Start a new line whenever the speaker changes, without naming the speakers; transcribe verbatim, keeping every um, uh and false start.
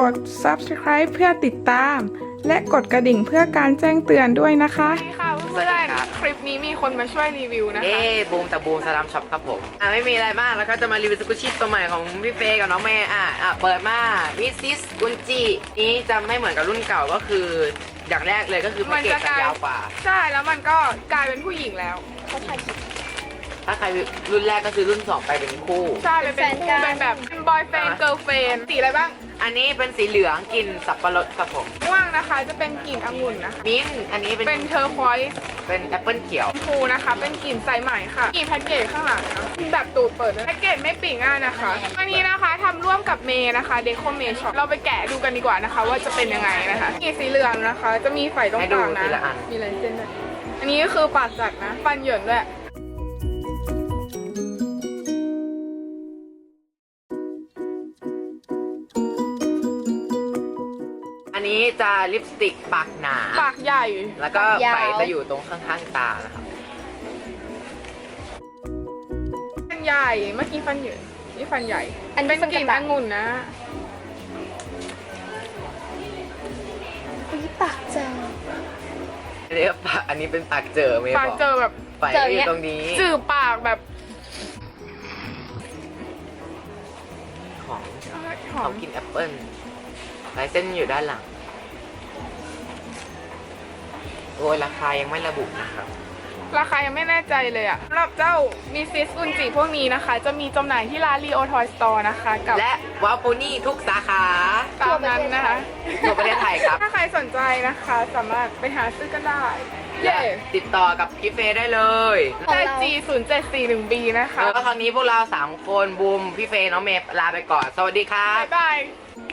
ด ซับสไครบ์ เพื่อติดตาม และกดกระดิ่งเพื่อการแจ้งเตือนด้วยนะคะสวัสดีค่ะเพื่อนๆคลิปนี้มีคนมาช่วยรีวิวนะคะ
เอ๊บูมแต่บูมสลัมช็อปครับผมอ่ะไม่มีอะไรมากแล้วก็จะมารีวิวสกุชชี่ตัวใหม่ของพี่เฟย์กับน้องเมย์อ่ะอ่ะเปิดมามิสซิสกุนจินี้จะไม่เหมือนกับรุ่นเก่าก็คืออย่างแรกเลยก็คือแพ็กเกจจะยาวกว่า
ใช่แล้วมันก็กลายเป็นผู้หญิงแล้วเขาถ่ายคลิป
ถ้าใครรุ่นแรกก็คือรุ่นสองไปเป็นคู่
ใช่เป็นคู่เป็นแบบบอยเฟนเกิร์ลเฟนสีอะไรบ้าง
อันนี้เป็นสีเหลืองกลิ่นสับปะรดครับผม
ม่วงนะคะจะเป็นกลิ่นองุ่นนะคะ
มิ้นอันนี้เป็น
เป็นเทอร์ควอยส์
เป็นแอปเปิลเขียว
ฟูนะคะเป็นกลิ่นสายไหมค่ะกลิ่นแพ็กเกจข้างหลังนะแบบตูดเปิดเลยแพ็กเกจไม่ปิดง่ายนะคะอันนี้นะคะทำร่วมกับเมย์นะคะเดโคเมย์ช็อปเราไปแกะดูกันดีกว่านะคะว่าจะเป็นยังไงนะคะกลิ่นสีเหลืองนะคะจะมีไฟตรงกลางนะมีลายเส้นด้วยอันนี้ก็คือปากจัดนะฟันเหยินด้วย
อันนี้จะลิปสติกปากหนา
ปากใหญ่
แล้วก็ไฟจะอยู่ตรงข้างๆตานะครับ
ฟันใหญ่เมื่อกี้ฟันเหยินนี่ฟันใหญ่อันเป็นกลิ่นองุ่นนะ
อุ้ยปากเจอ
อันนี้ปากอันนี้เป็นปากเจอไหม
ปากเจอแบบ
ไฟอยู่ตรงนี้
จืดปากแบบ
ของของกินแอปเปิ้ลลายเส้นอยู่ด้านหลังโอ้ยราคายังไม่ระบุนะครับ
ราคายังไม่แน่ใจเลยอะสำหรับเจ้ามิสซิสอุนจิพวกนี้นะคะจะมีจำหน่ายที่ร้านรีโอทอยสโตร์นะคะกับ
และวาฟูนี่ทุกสาขา
ตามนั้นนะคะ
ทั่วประเทศไทยครับ
ถ้าใครสนใจนะคะสามารถไปหาซื้อกันได้
และติดต่อกับพี่เฟย์ได้เลย
ได้ จี ศูนย์เจ็ดสี่หนึ่ง บี นะคะ
แล้วก็คราวนี้พวกเราสามคนบูมพี่เฟย์น้องเมย์ลาไปก่อนสวัสดีครับ
บ๊ายบาย